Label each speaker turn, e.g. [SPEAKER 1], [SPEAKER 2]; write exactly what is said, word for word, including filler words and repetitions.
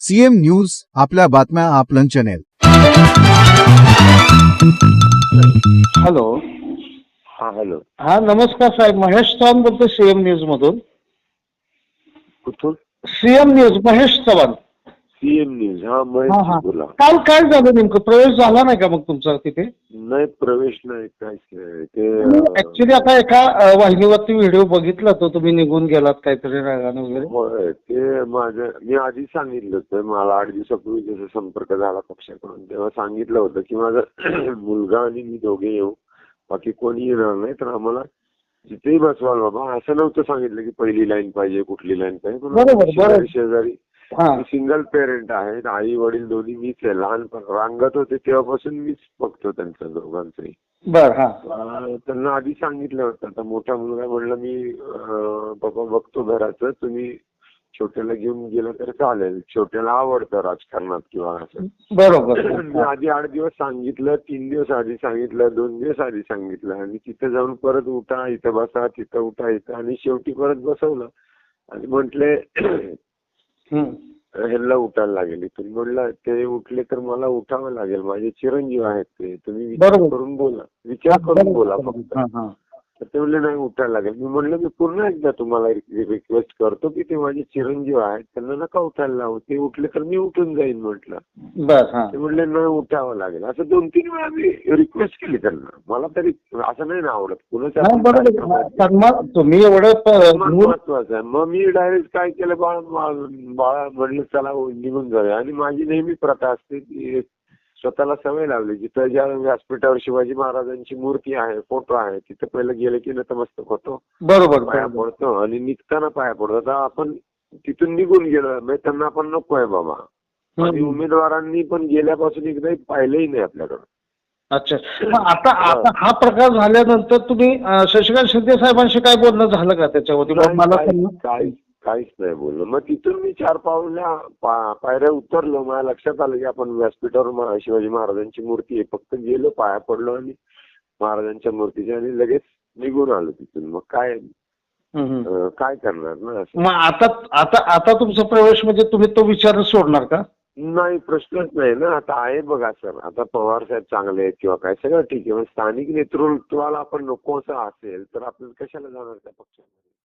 [SPEAKER 1] CM news आपल्या बातम्या आपलं चॅनेल.
[SPEAKER 2] हॅलो.
[SPEAKER 3] हा हॅलो.
[SPEAKER 2] हा नमस्कार साहेब, महेश चव्हाण बोलतो सीएम न्यूज मधून.
[SPEAKER 3] कुठून?
[SPEAKER 2] CM news, Mahesh Chavan.
[SPEAKER 3] CM news. हा
[SPEAKER 2] हा
[SPEAKER 3] महेश
[SPEAKER 2] हा
[SPEAKER 3] बोला.
[SPEAKER 2] काल काय झालं नेमकं, प्रवेश झाला नाही का मग तुमचा तिथे?
[SPEAKER 3] नाही प्रवेश नाही, काहीच नाही ते.
[SPEAKER 2] ऍक्च्युली आता एका अ, वाहिनीवरती व्हिडिओ बघितला तो, तुम्ही निघून गेलात काहीतरी रागाने वगैरे.
[SPEAKER 3] होय, ते माझं मी आधी सांगितलं होतं, मला आठ दिवसापूर्वी जसा संपर्क झाला पक्षाकडून, तेव्हा सांगितलं होतं की माझा मुलगा आणि मी दोघे येऊ, बाकी कोणी येणार नाही, तर आम्हाला जिथेही बसवाल बाबा. असं नव्हतं सांगितलं की पहिली लाईन पाहिजे, कुठली लाईन पाहिजे.
[SPEAKER 2] बरोबर, बरोबर.
[SPEAKER 3] शेजारी
[SPEAKER 2] हा
[SPEAKER 3] सिंगल पेरेंट आहेत, आई वडील दोन्ही मीच आहे. लहानपण रांगत होते तेव्हापासून मीच बघतो त्यांचं दोघांचंही.
[SPEAKER 2] बर. हा
[SPEAKER 3] अं, त्यांना आधी सांगितलं होतं. आता मोठा मुलगा म्हणला मी अं, बाबा बघतो घराचं, तुम्ही छोट्याला घेऊन गेलं तर चालेल, छोट्याला आवडतं राजकारणात किंवा असं.
[SPEAKER 2] बरोबर.
[SPEAKER 3] मी आधी आठ दिवस सांगितलं, तीन दिवस आधी सांगितलं, दोन दिवस आधी सांगितलं, आणि तिथे जाऊन परत उठा, इथं बसा, तिथं उठा, इथं, आणि शेवटी परत बसवलं आणि म्हटले
[SPEAKER 2] हम्म.
[SPEAKER 3] ह्यांना उठायला लागेल इथून. म्हणलं ते उठले तर मला उठावं लागेल, माझे चिरंजीव आहेत ते, तुम्ही विचार
[SPEAKER 2] बरोबर.
[SPEAKER 3] करून बोला, विचार करून बोला फक्त.
[SPEAKER 2] हा हा
[SPEAKER 3] तर ते म्हणले नाही उठायला लागेल. मी म्हणलं मी पुन्हा एकदा तुम्हाला रिक्वेस्ट करतो की ते माझे चिरंजीव आहेत, त्यांना नका उठायला लावू, ते उठले तर मी उठून जाईन म्हटलं.
[SPEAKER 2] बर. हा
[SPEAKER 3] ते म्हणले नाही उठावं लागेल. असं दोन तीन वेळा मी रिक्वेस्ट केली त्यांना. मला तरी असं नाही ना आवडत कुणाच्या
[SPEAKER 2] नाही, बरोबर. सन्मान तुम्ही एवढं प-
[SPEAKER 3] महत्वाचं आहे. मग मी डायरेक्ट काय केलं, बाळा मा- बाळा म्हणलं चला निघून जाऊया. आणि माझी नेहमी प्रथा असते की स्वतःला सवय लावली, जिथं ज्या व्यासपीठावर शिवाजी महाराजांची मूर्ती आहे, फोटो आहे, तिथं पहिलं गेलं की नतमस्तक होतो,
[SPEAKER 2] बरोबर
[SPEAKER 3] पाया पडतो, आणि निघताना पाया पडतो. आता आपण तिथून निघून गेलो म्हणजे त्यांना आपण नको आहे बाबा. आणि उमेदवारांनी पण गेल्यापासून एकदाही पाहिलंही नाही आपल्याकडं.
[SPEAKER 2] अच्छा. मग आता आता हा प्रकार झाल्यानंतर तुम्ही अ, शशिकांत शिंदे साहेबांशी काय बोलणं झालं का त्याच्यावरती?
[SPEAKER 3] नाही,
[SPEAKER 2] मला
[SPEAKER 3] काहीच
[SPEAKER 2] त्यांना-
[SPEAKER 3] काहीच काहीच नाही बोललो. मग तिथून मी चार पावल्या पा- पायऱ्या उतरलो, माझ्या लक्षात आलं की आपण व्यासपीठावर मा- शिवाजी महाराजांची मूर्ती आहे, फक्त गेलो, पाया पडलो आणि महाराजांच्या मूर्तीच्या, आणि लगेच निघून आलो तिथून. मग काय
[SPEAKER 2] हम्म, हम्म.
[SPEAKER 3] अं, काय करणार ना असं.
[SPEAKER 2] मग आता आता आता तुमचा प्रवेश म्हणजे तुम्ही तो विचार सोडणार का?
[SPEAKER 3] नाही, प्रश्नच नाही ना. आता आहे बघा सर, आता पवार साहेब चांगले आहेत किंवा काय, सगळं ठीक आहे. पण स्थानिक नेतृत्वाला आपण नको असं असेल तर आपण कशाला जाणार त्या पक्षामध्ये?